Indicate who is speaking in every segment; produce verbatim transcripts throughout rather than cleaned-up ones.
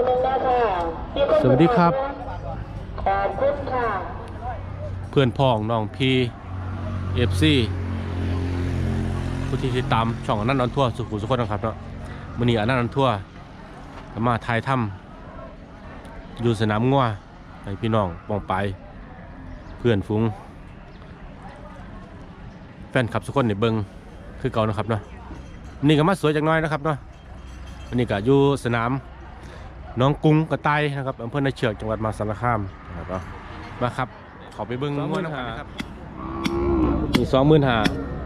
Speaker 1: สวัสดีครับ
Speaker 2: ขอบคุณค่ะ
Speaker 1: เพื่อนพ้องน้องพีเอฟซีผู้ที่ติดตามช่องอนันต์นอนทั่วสุขุมสุขนะครับเนาะมื้อนี้อนันต์นอนทั่วมาถ่ายถ้ำอยู่สนามงัวให้พี่น้องปองไปเพื่อนฟุ้งแฟนขับสุขคนในเบิงคือเก่านะครับเนาะนี่ก็มาสวยจังน้อยนะครับเนาะวันนี้ก็อยู่สนามน้องกุ้งกระต่ายนะครับอำเภอนาเชือกจังหวัดมหาสารคามนะครับมาครับขอไปเบิ้งงัวนะครับมีสองหมื่นห้า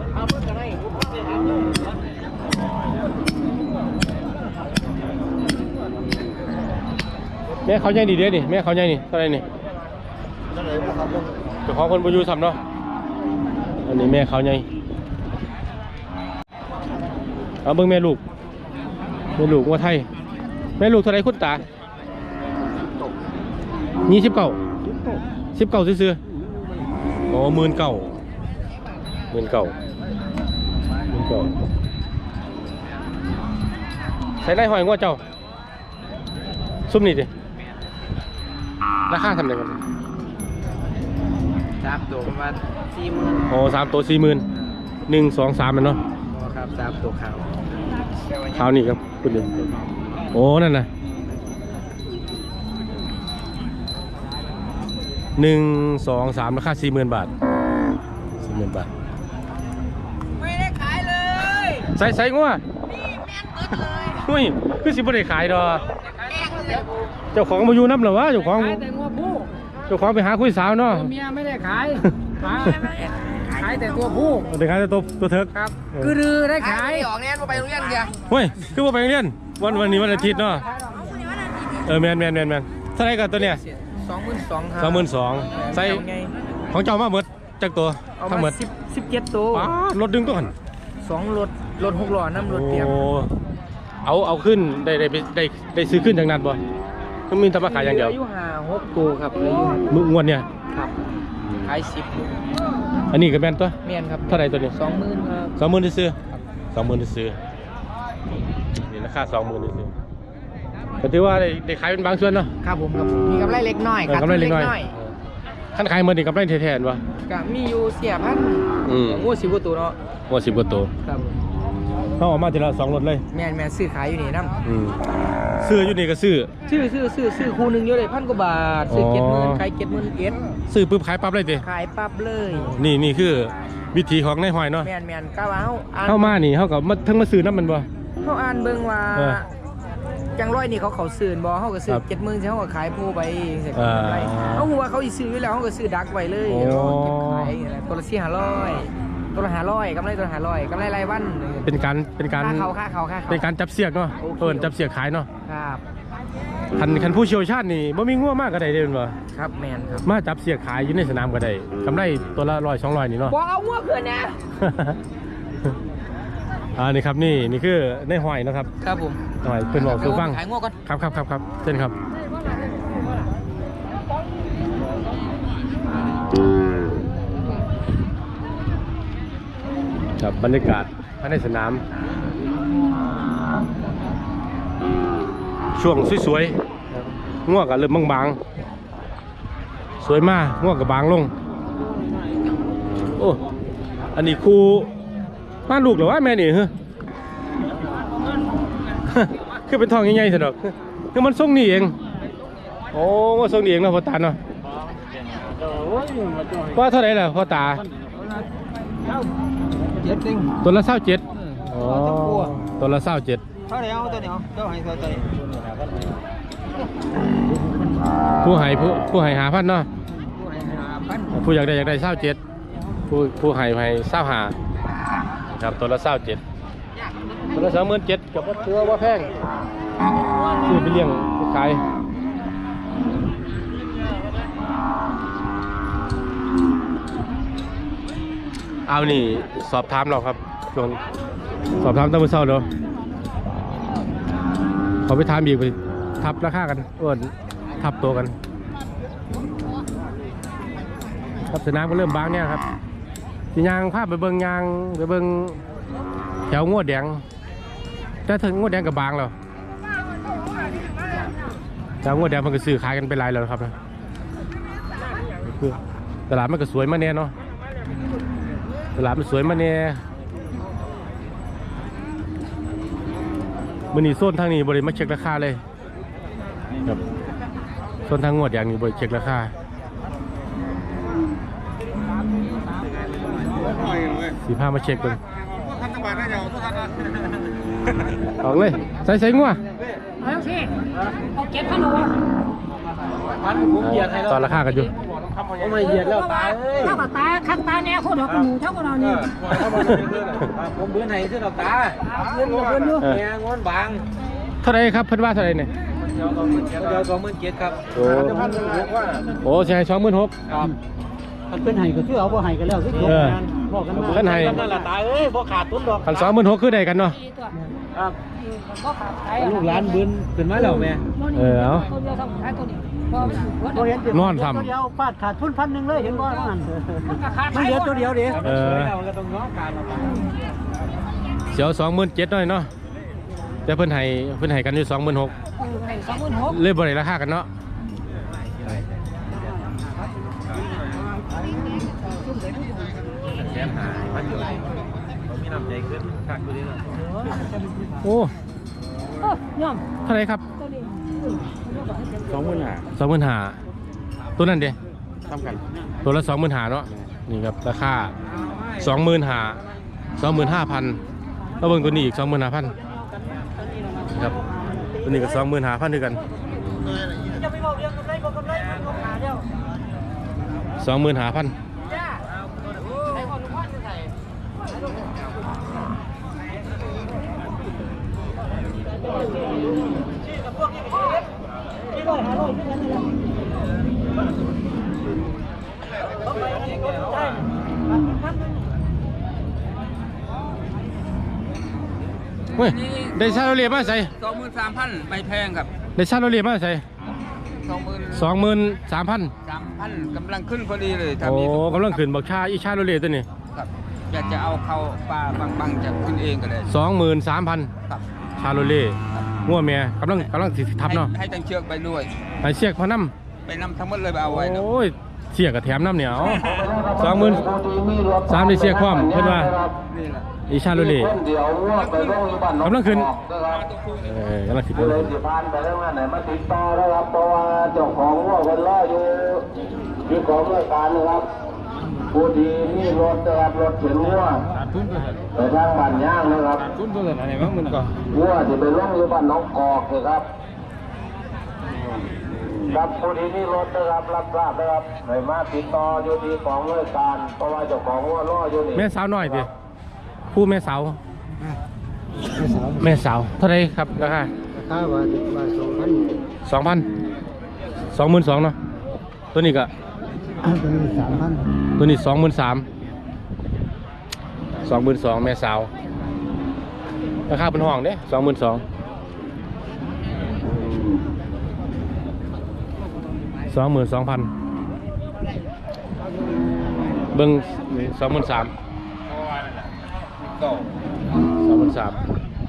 Speaker 1: แม่เขาใหญ่ดีเด้ดิแม่เขาใหญ่นี่เท่าไรนี่เจ้าของคนบุญยูทำเนาะอันนี้แม่เขาใหญ่เอาเบิ้งแม่ลูกแม่ลูกงัวไทยแม่ลูกเท่าไรคุณตายี่สิบเก้าสิบเก้าซื้อๆโอ้หมื่นเก้าหมื่นเก้าหมื่นเก้าใส่ไรหอยงัวเจ้าซุ่มนี่ดิราคาทำไรกัน
Speaker 3: สามตัวประมาณสี่หมื่น
Speaker 1: โอ้สามตัวสี่หมื่นหนึ่งสองสามมันเนาะ
Speaker 3: ครับสามตัวขาว
Speaker 1: ขาวนี่ครับคุณดูโอ้นั่นนะหนึ่งสองสามราคาสี่หมื่นบาทสี่หมื่นบาท
Speaker 3: ไม่ได้ขายเลย
Speaker 1: ใส่ใส่งัว
Speaker 3: นี่แม่นเกิดเลย
Speaker 1: หุ้ยคือสิบ่ได้ขายดอกเจ้าของมาอยู่น้ำหรอวะเจ้าของ
Speaker 3: ขายแต่งัวผู้
Speaker 1: เจ้าของไปหาคุยสาวเนาะ
Speaker 3: เมียไม่ได้ขายขายแต่ตัวผู้
Speaker 1: ได้ขายแต่ตัวตัวเถิก
Speaker 3: ครับคือได้ขายออกแน่นว่าไปโรงเรียนเดียว
Speaker 1: เฮ้ยคือว่าไปโรงเรียนวันวันนี้วันอาทิตย์เนาะเออแมนแมนแมนแมนเท่าไรกันตัวเนี้ย
Speaker 3: สองหมื่นสองครับ
Speaker 1: สองหมื่นสองใส่ของเจ้ามาหมดจากตัวทั้งหมด
Speaker 3: สิบสิบเจ็ดตัว
Speaker 1: รถดึงตัวกัน
Speaker 3: สองรถรถหกล้อน้ำรถเตรียม
Speaker 1: เอาเอาขึ้นได้ได้ได้ได้ซื้อขึ้นจากนั้นบ่ก็มีทำมาขายอย่างเดียว
Speaker 3: อายุห้าหกตัวครับอายุ
Speaker 1: มึงงวดเนี่ย
Speaker 3: ครับขายสิบ
Speaker 1: อันนี้ก็แม่นตัว
Speaker 3: แม่นครับ
Speaker 1: เท่าไรตัวนี้
Speaker 3: สองหมื่นครับ
Speaker 1: สองหมื่นที่ซื้อสองหมื่นที่ซื้อนี่ราคาสองหมื่นที่ซื้อก็ถือว่าได้ได้ขายเป็นบางส่วนเนาะ
Speaker 3: ครับผมครับมีกำไรเล็กน้อย
Speaker 1: กำไรเล็กน้อยขั้นขายมันนี่กำไรแทนวะ
Speaker 3: ก็มีอยู่เสียพันงูสิบกว่าตัวเนาะ
Speaker 1: งูสิบกว่าตัว
Speaker 3: ครับ
Speaker 1: เขาออกมาทีละสองรถเลย
Speaker 3: แม่นแม่ซื้อขายอยู่นี่น้
Speaker 1: ำซื้ออยู่นี่ก็ซื้อ
Speaker 3: ซื้อซื้อซื้อซื้อคู่หนึ่งเยอะเลยพันกว่าบาทซื้อเจ็ดหมื่นขายเจ็ดหมื่นเจ็ด
Speaker 1: ซื้อปุ๊บขายปั๊บเลยดิ
Speaker 3: ขายปั๊บเลย
Speaker 1: นี่นี่คือวิธีของนายหอยเนาะ
Speaker 3: แม่นแม่นก้าวเอา
Speaker 1: เข้ามานี่เขากับมาทั้งมาซื้อน้ำมันบ่
Speaker 3: เขาอ่านเบิ่งว่าจังร้อยนี่เขาเขาซื้อบ่เขาก็ซื้อเจ็ดหมื่นเขาก็ขายผู้ไปเสร็จอะไรเขาหัวเขาอีซื้อแล้วเขาก็ซื้อดักไว้เลยเก็บขายตัวละสี่ห้าร้อยตัวละห้าร้อยกำไรตัวละห้าร้อยกำไรรายวัน
Speaker 1: เป็นการเป็นการ
Speaker 3: ค่าเขาค่าเขาค่าเขา
Speaker 1: เป็นการจับเสียกเนาะเออจับเสียกขายเนาะ
Speaker 3: ครับ
Speaker 1: คันคันผู้เชี่ยวชาญนี่บ่มีง่วมากก็ได้เด้อบ่
Speaker 3: ครับแมนครับ
Speaker 1: มาจับเสียกขายอยู่ในสนามก็ได้กำไรตัวละร้อยสองร้อยนี่เนาะ
Speaker 3: บอกเอาง่วเกินนะ
Speaker 1: อ่านี่ครับนี่นี่คือในหอยนะครับ
Speaker 3: ครับผม
Speaker 1: หอยเป็นบอกคือฟัง
Speaker 3: ขายง่วก่อน
Speaker 1: ครับครับครับครับเช่นครับครับบรรยากาศภายในสนามช่วงสวยๆง่วงกับเริ่มบางๆสวยมากง่วงกับบางลงโอ้อันนี้ครูบ้านลูกหรือว่าแม่นี่เหรอคือเป็นทองใหญ่ๆสิดอกคือมันส่งนี่เองโอ้ว่าส่งนี่เองนะพ่อตาเนาะว่าเท่าไหร่ล่ะพ่อตาตัวละเศร้าเจ็ดอ๋อตัวละเศร้าเจ็ด
Speaker 3: เท่าไหร่เอาตัวเดียวเท่าไหร่เท่าไหร่
Speaker 1: ผู้ให้ผู้ผู้ให้หาพันเนาะผู้อยากได้อยากได้เศร้าเจ็ดผู้ผู้ให้ให้เศร้าหาครับตัวละเศร้าเจ็ดตัวละสองหมื่นเจ็ดกับว่าตัวว่าแพงซื้อไปเลี้ยงไปขายเอานี่สอบถามเราครับช่วงสอบถามตั้งแต่เช้าเนาะเขาไปถามอีกไปทับราคากันอ้วนทับตัวกันครับสนามก็เริ่มบางเนี่ยครับสียางภาพไปเบิ้งยางไปเบิ้งแถวงวดแดงแต่ถึงงวดแดงกับบางแล้วจากงวดแดงมันก็ซื้อขายกันไปหลายแล้วนะครับนะคือตลาดมันก็สวยมาแน่เนาะตลาดมันสวยมาแน่มื้อนี้โซนทางนี้บริมาเช็คราคาเลยครับโซนทางงวดอย่างนี้บริเช็คราคาสี่ห้ามาเช็คกันออกเลยใส่ใส่งัว
Speaker 4: เอาสิเอาเก็บพันหัว
Speaker 1: ตอนราคากันอยู่
Speaker 3: ไม่เหยียดแล้วตาย
Speaker 4: เท่ากับตาข้างตาแน่โคตรดอกหมูเท่ากับเรานี่
Speaker 3: ผมเบื่อไหนซื้อดอกตาเงินกับเงินด้วยแงงอนบาง
Speaker 1: เท่าไรครับเพิ่นว่าเท่าไรเนี่ย
Speaker 3: เดี๋ยวสองหมื่นเจ็ดครับ
Speaker 1: โอ้โอ้ใช่สองหมื่นหก
Speaker 3: ครับมันเป็นไห้ก็คือเอาบ่ไห้กันแล้วคือจบงานบอกกันมา
Speaker 1: กันไห้
Speaker 3: นั่นแหละตายเอ้ยบ่ขาดทุนดอก
Speaker 1: คันสองหมื่นหกคือใดกันเนาะ
Speaker 3: ครับ
Speaker 4: ก็ขาดใจ
Speaker 3: ลูกหลานบืนขึ้นมาแล้วแม่
Speaker 1: เออเอา
Speaker 4: ตัวเดียวทำขายตัวนี้พอมัน
Speaker 3: บ่เห็น
Speaker 1: นอนทำ
Speaker 3: ตัวเดียวฟาดขาดทุนพันหนึ่งเลยเห็นบ่ว่างั้น
Speaker 4: มันก็ขาด
Speaker 3: มันเหลือตัวเดียวดิ
Speaker 1: เออ
Speaker 3: มันก็ต้องง้อการเอาไป
Speaker 1: เสียวสองหมื่นเจ็ดหน่อยเนาะแต่เพิ่นให้เพิ่นให้กันอยู่สองหมื่นหก
Speaker 4: สองหมื่นหก
Speaker 1: เลยบ่ได้ราคากันเนาะโอ้
Speaker 4: เออย่อม
Speaker 1: เท่าไหรครับ
Speaker 4: ตัวนี้
Speaker 3: สองหมื่นห้า
Speaker 1: สองหมื่นห้าตัวนั้นเด้
Speaker 3: ทำกัน
Speaker 1: ตัวละสองหมื่นห้าเนาะนี่ครับราคาสองหมื่นห้าสองหมื่นห้าพันแล้วเบิ่งตัวนี้อีกสองหมื่นห้าพันครับตัวนี้ก็สองหมื่นห้าพันด้วยกัน
Speaker 4: จะไปบอกเรื่องกำไรบอกกำไรมันก็ขาดแล้ว
Speaker 1: สองหมื่นห้าพัน
Speaker 4: จ้าใช้ความรู้พันใส่
Speaker 1: เฮ้ยได้ชาโรเลียมาใส่
Speaker 5: สองหมื่นสามพันไม่แพงครับ
Speaker 1: ได้ชาโรเลียมาใส่
Speaker 5: สองหมื่น
Speaker 1: สองหมื่นสามพัน
Speaker 5: สามพันกำลังขึ้นพอดีเลย
Speaker 1: โอ้
Speaker 5: มี
Speaker 1: กำลังขึ้นบอกชาอีชาโรเลียตัวนี้
Speaker 5: ครับอยากจะเอาเข้าปลาบางๆจะขึ้นเองก็เลย
Speaker 1: สองหมื่นสามพัน
Speaker 5: ครับ
Speaker 1: ชาโรเล่งัวเมียกำลังกำลังสิทับเนาะ
Speaker 5: ให้ให้ตั้งเชือกไปด้วย
Speaker 1: ไอเสียกพอน้
Speaker 5: ไปนำทั้งหมดเลยไปเอา
Speaker 1: ำ
Speaker 5: ไว้เนาะ
Speaker 1: โอ้ยเสียกกับแถมน้ำเหนียวสองหมื่นสามในเสียกความเพื่อนว่า
Speaker 5: นี่แหละ
Speaker 1: อีชาโรเล่กำลังขึ้นเออกำลังขึ้น
Speaker 2: ผู้ใดสิผ่านไปแล้วงานไหนมาติดต่อนะครับเพราะว่าเจ้าของว่าคนรออยู่ที่ของรายการนะครับผู้ดีนี่รถนะครับรถเข็นวัวไปทางบ้านย่างนะครับ
Speaker 1: ทุนตัวไหนบ้างมันก็
Speaker 2: วัวที่ไปล่องอยู่บ้านน้องกอกนะครับครับผู้ดีนี่รถนะครับรับทราบนะครับไหนมาติดต่ออยู่ที่ของรายการเพราะว่าเจ้าของว่ารออยู่นี่
Speaker 1: แม่สาวหน่อยดิคู่แม่สาวแม่สาวเท่าไรครับราคา
Speaker 3: ถ้าว่าว่าสองพัน
Speaker 1: สองพันสองหมื่นสองเนาะตัวนี้ก็
Speaker 3: ตัวนี้สามพัน
Speaker 1: ตัวนี้สองหมื่นสามสองหมื่นสองแม่สาวราคาเป็นห้องเด้สองหมื่นสองสองหมื่นสองพันเบิ้งสองหมื่นสามสองหมื่นสาม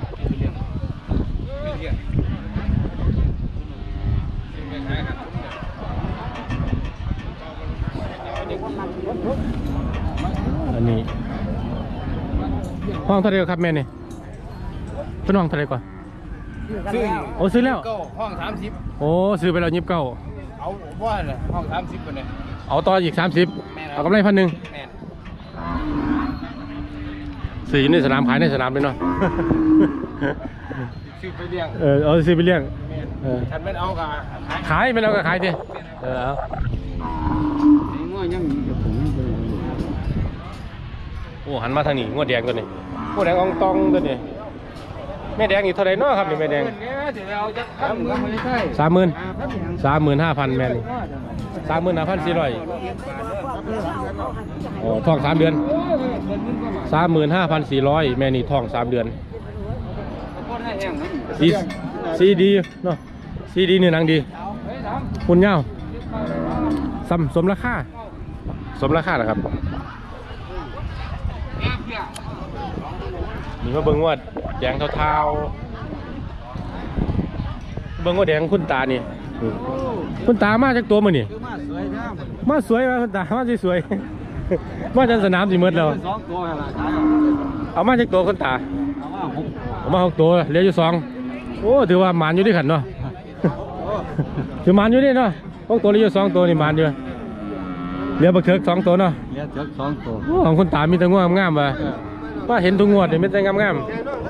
Speaker 1: อันนี้ห้องเท่าไหรครับแม่เนี่ยเป็นห้องเท่าไหรก่อน
Speaker 5: ซื้อ
Speaker 1: โอ้ซื้อแล้ว
Speaker 5: ก็ห้องสามสิบ
Speaker 1: โอ้ซื้อไปแล้วยิบเก้า
Speaker 5: เอาว่าเลยห้องสามสิบคนเลย
Speaker 1: เอาต่ออีกสามสิบเอากำไรพันหนึ่ง
Speaker 5: แม่น
Speaker 1: ซื้ออยู่ในสนามขายในสนามเลยเนาะ
Speaker 5: ซื้อไปเลี้ยง
Speaker 1: เออเอาซื้อไปเลี้ยงเออ
Speaker 5: ฉันไม่เอากะขาย
Speaker 1: ขายไปแล้วก็ขายดิเออเอา
Speaker 5: ง่วงยัง
Speaker 1: โอ้หันมาทางนี้งวดแดงตัวนี้งวดแดงอองตองตัวนี้แม่แดงนี่เท่าไหรเนาะครับนี่แม่แดง
Speaker 5: เนี้ยเดี๋ยวเราจะทำก็ไม่ใช่
Speaker 1: สามหมื่นสามหมื่นห้าพันแม่นี่สามหมื่นห้าพันสี่ร้อยโอ้ทองสามเดือนสามหมื่นห้าพันสี่ร้อยแม่นี่ทองสามเดือนซีซีดีเนาะซีดีเนื้อหนังดีคุณเงาสมสมราคาสมราคาเหรอครับนี่มาเบิ่งว่าแดงเทาๆเบิ่งว่าแดงคุณตานี่คุณตามาจากตัวมื้อนี่
Speaker 5: มาสวยนะ
Speaker 1: มาสวยมาคุณตามาสวยๆมาจากสนามสิหมดแล้ว
Speaker 5: สองตัวละขาย
Speaker 1: เอามาจากตัวคุณตา
Speaker 5: เอาว่าหก
Speaker 1: เอามาหกตัวเหลืออยู่สองโอ้ถือว่าหมานอยู่ด้วยกันเนาะ ถือหมานอยู่นี่เนาะหกตัวเหลืออยู่สองตัวนี่หมานอยู่เหลือบักเถิกสองตัวเนาะ
Speaker 5: เหลือเจ็ดสองตัว
Speaker 1: โอ้ของคุณตามีแต่งวงงามๆว่ะว่าเห็นทุกงวดนี่มีแต่งามๆ